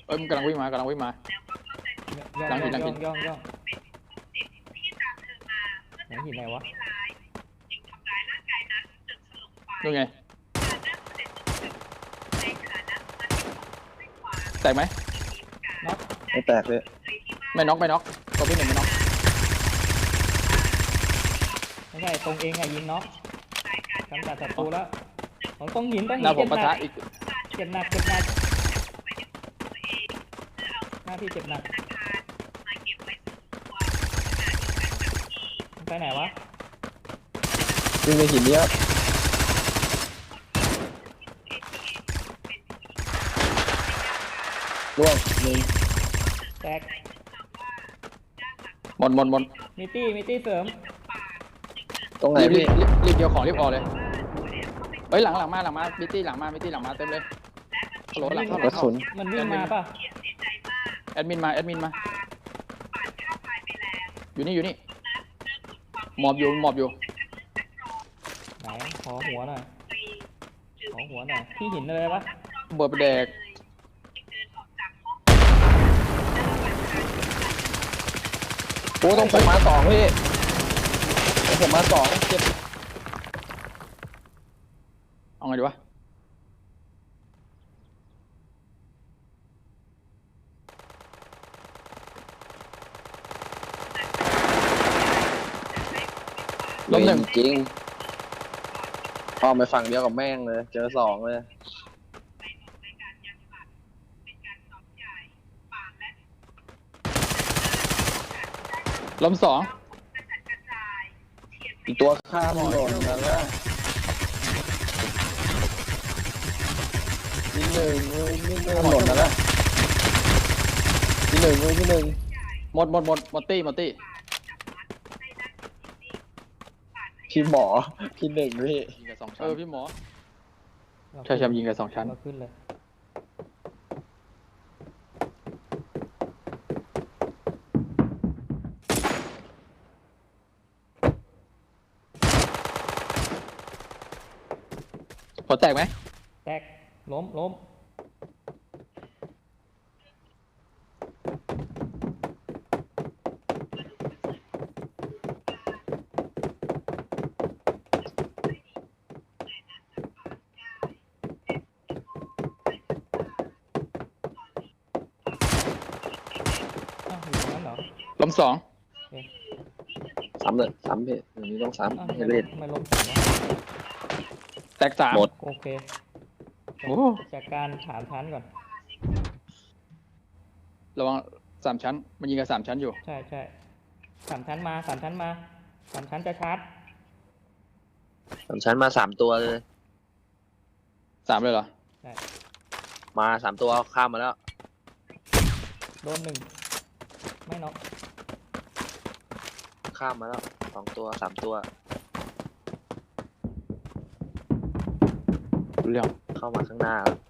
อ้ยมันกำลังวิ่งมากำลังวิ่งมาย่องหลังหินหลังหินย่องหลังหินไหนวะนู่นไงแตกไหมน็อกไม่แตกเลยไม่น็อกไม่น็อกตัวพี่หนึ่งไม่น็อกไม่ใช่ตรงเองไงยิงน็อกกำจัดศัตรูแล้วของตรงหินต้องหหิน้าน ผมเจ็บปะหนัทะกอีกเจ็บหนักหน้าที่เจ็บหนักไปไหนวะวิ่งในหินนี้ครับล่วงหนึ่งแตกหมดมีตี้เสริมตรงไหนรีบพี่รีบเดียวของรีบออกเลยเฮ้ยหลังมามิตี้หลังมาเต็มเลยฮัลโหลหลังเข้ากระสุนมันวิ่งมาป่ะแอดมินมาอยู่นี่หมอบอยู่ไหนขอหัวหน่อยที่หินอะไรปะเบิดไปแดกโอ้ต้องผมมาสองพี่ต้องผมมาสองเจ็บเอาไงดีวะล้มหนึ่งจริงพอไปฝั่งเดียวกับแม่งเลยเจอสองเลยล้มสองอีกตัวข้ามหล่นนั่นแหละที่หนึ่งหล่นนั่นแหละที่หนึ่งหมดตี้พี่หมอที่หนึ่งพี่ยิงกับ2 ชั้นพี่หมอใช่ยิงกับ2 ชั้นเราขึ้นเลยหัวแตกไหมแตกล้มอ้าวอยู่ตรงนั้นเหรอล้มสองซ้ำเลยซ้ำพี่อย่างนี้ต้องซ้ำอ้าวให้เล่นไม่ล้มสองวะแตกสามหมดโอเคโอ้จากการถามชั้นก่อนระวัง3 ชั้นมันยิงกับ3 ชั้นอยู่ใช่สามชั้นสามชั้นจะชาร์จสามชั้นมาสามตัวเลย 3เลยเหรอมาสามตัวข้ามมาแล้วโดนหนึ่งไม่น็อกข้ามมาแล้วสองตัวสามตัวรู้เรื่องเข้ามาข้างหน้าแล้ว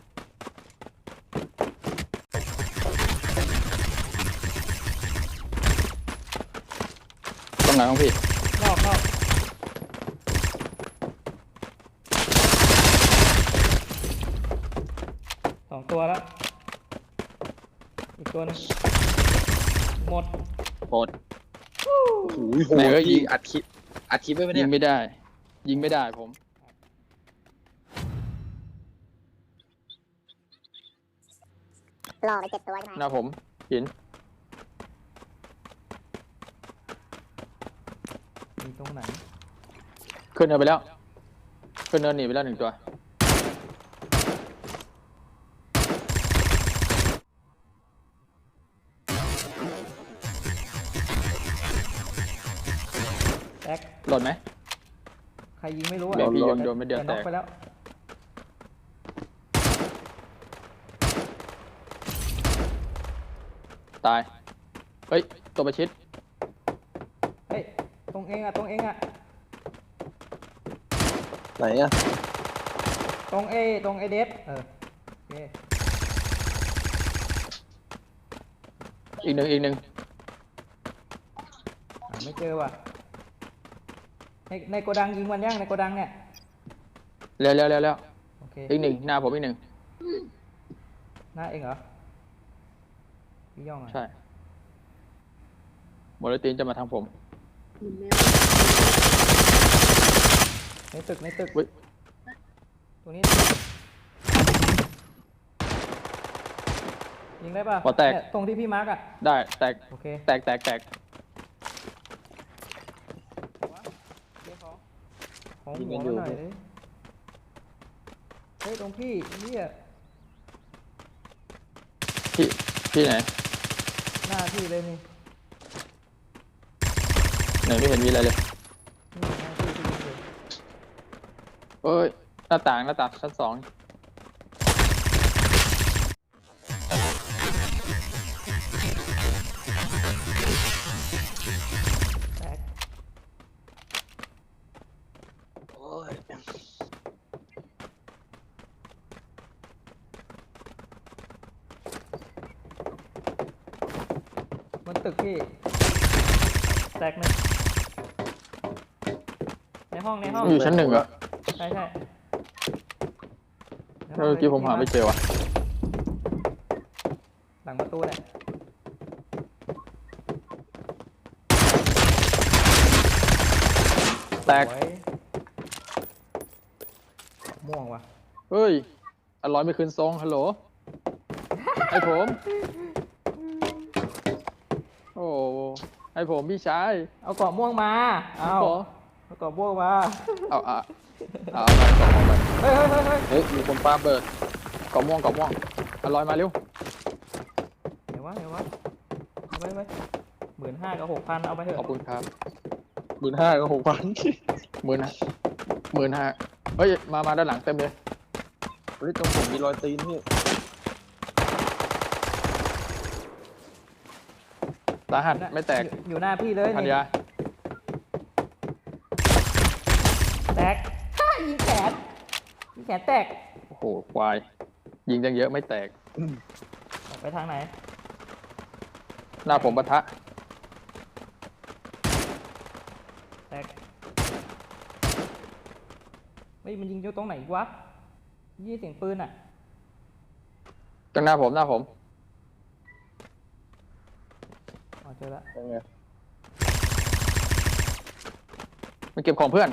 ตรงไหนของพี่นอกสองตัวแล้วอีกตัวหนึงหมดหมดโอ้โหโหดพี่อัดคลิปไว้ไหมยิเนี่ยงไม่ได้ผมหล่อไป7 ตัวใช่ไหมหน้าผมหินมีตรงไหนขึ้นเนินไปแล้วขึ้นเนินหนีไปแล้ว1 ตัวแตกหล่นไหมใครยิงไม่รู้อ่ะเดี๋ยวพี่โยนไม่เดียวแต่แตน็อกกไปแล้วตายเฮ้ยตัวประชิดเฮ้ยตรงเองอ่ะไหนอะตรงเอเดฟโอเคอีกหนึ่งไม่เจอว่ะในโกดังยิงมันยังในโกดังเนี่ยแล้วโอเคอีก 1หน้าผมอีก 1 หน้าเองเหรอพี่ย่องอ่ะใช่โมเลตินจะมาทางผมในตึกในตึกอุ๊ยตัวนี้ยิงได้ป่ะหัวแตกเนี่ยตรงที่พี่มาร์กอ่ะได้แตกโอเคแตกแตกแตกของหัวมาหน่อยเลยเฮ้ยตรงพี่เนี่ยพี่ไหนหน้าพี่เลยนี่ไหนไม่เห็นมีอะไรเลยนี่หน้าพี่ที่ยิงเลยเอ้ยหน้าต่างชั้นสองแตกบนตึกพี่แตกหนึ่งในห้องอยู่ชั้นหนึ่งเหรอใช่ในห้เมื่อกี้ผมหาไม่เจอว่ะหลังประตูเนี่ยแตกสวยม่วงว่ะเฮ้ยอร่อยไม่คืนทรงฮัลโหลให้ผม โอ้ให้ผมพี่ชายเอาเกาะม่วงมาเอาขอเอาเกาะม่วงมาเอาไปกล่องม่วงไปเฮ้ยเฮ้ยมีคนปาเบิดกล่องม่วงอร่อยมาเร็วเดี๋ยววะเอาไป15,000 กับ 6,000เอาไปเถอะขอบคุณครับ 15,000 กับ 6,000 15,000เฮ้ยมาด้านหลังเต็มเลยเฮ้ยตรงผมมีรอยตีนพี่สาหัสไม่แตกอยู่หน้าพี่เลยพันนี่ยาแตกยิงแขนแตกโอ้โหควายยิงจังเยอะไม่แตกออกไปทางไหนหน้าผมปะทะแตกเฮ้ยมันยิงอยู่ตรงไหนอีกวะยี่เสียงปืนอ่ะจังหน้าผมอ๋อเจอละยังไงมันเก็บของเพื่อน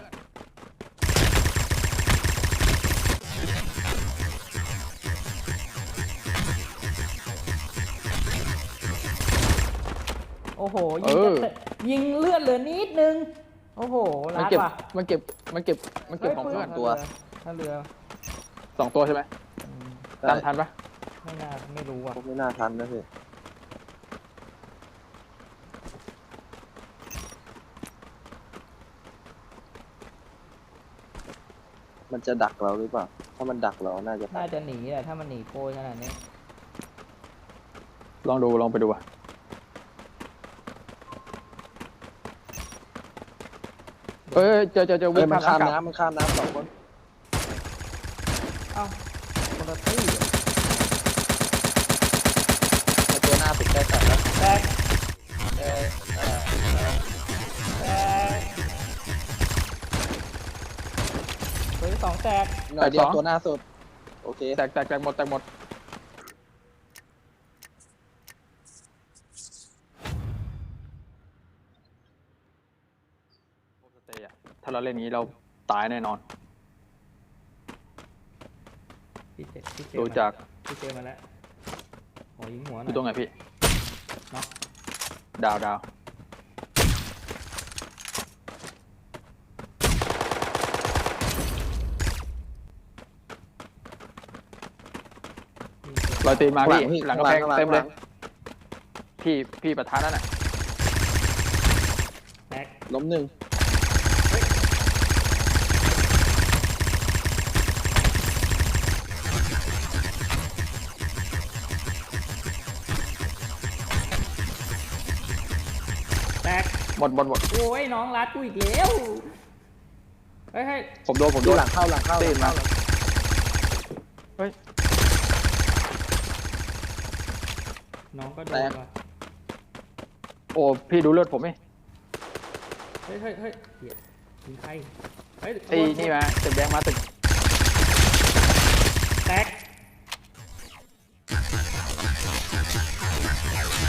โอ้โหยิงเลือดเหลือนิดนึงโอ้โหมันรัดเก็บว่ะมันเก็บของเพื่อนถ้าเรือ 2 ตัวใช่ไหมอืมตามทันปะไม่รู้ว่ะผมไม่น่าทันนะพี่มันจะดักเราหรือเปล่า ถ้ามันดักเราน่าจะทัน่าน จะหนีแหละถ้ามันหนีโกยขนาดนี้ลองไปดูอ่ะเอ้ยเจอเฮ้วิ่ยงมันข้าข้ามน้ำกลับน้ำมันข้ามน้ำ2 คนเอ้าคนละตี้ไอตัวหน้าติดใกล้แตกแล้วแตกแตกตัวที่ 2แตกหน่อยเดียวตัวหน้าสุด โอเคแตกหมดถ้าเราเล่นนี้เราตายแน่นอนพี่เจดูจากพี่เจมาแล้วขอยิงหัวหอน่ยู่ตรงอยไหนพี่เนาะดาว รอยตีนมาพี่หลังกระแพงเต็มเลย พี่ประธานนั่นน่ะแตกล้ม 1 แตกหมดโอ้ยน้องรัดกูอีกแล้วเฮ้ยผมโดนดูหลังเข้าตีนมา เฮ้ยน้องก็โดนว่ะโอ้พี่ดูเลือดผมไหมเฮ้ยเหี้ยยิงใครเฮ้ยไอ้นี่มาตึกแดงมาตึกแตก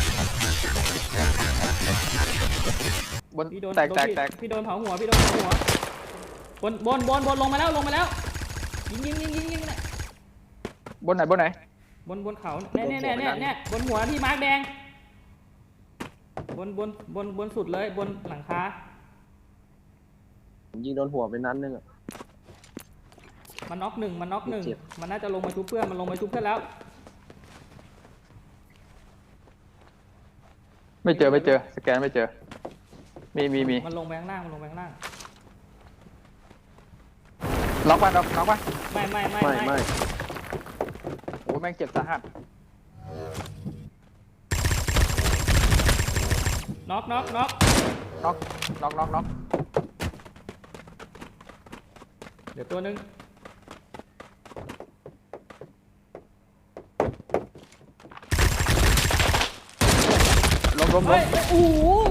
นพี่โดนแตกโดนแตกพี่แตกพี่โดนเผาหัวพี่โดนเผาหัวบนลงมาแล้วยิงเนี่ยบนไหนบนไหนบนเขาเนี่ยบนหัวที่มาร์กแดงบนสุดเลยบนหลังคาผมยิงโดนหัวไปนัดนึงอะมันน็อกหนึ่งเจ็บมันน่าจะลงมาชุบเพื่อนมันลงมาชุบเพื่อนแล้วไม่เจอสแกนไม่เจอมีมันลงไปข้างล่างล็อกป่ะล็อกป่ะไม่ไม่โอ้แม่งเจ็บสาหัสน็อกน็อกเดี๋ยวตัวนึงล้มเฮ้ยโอ้โห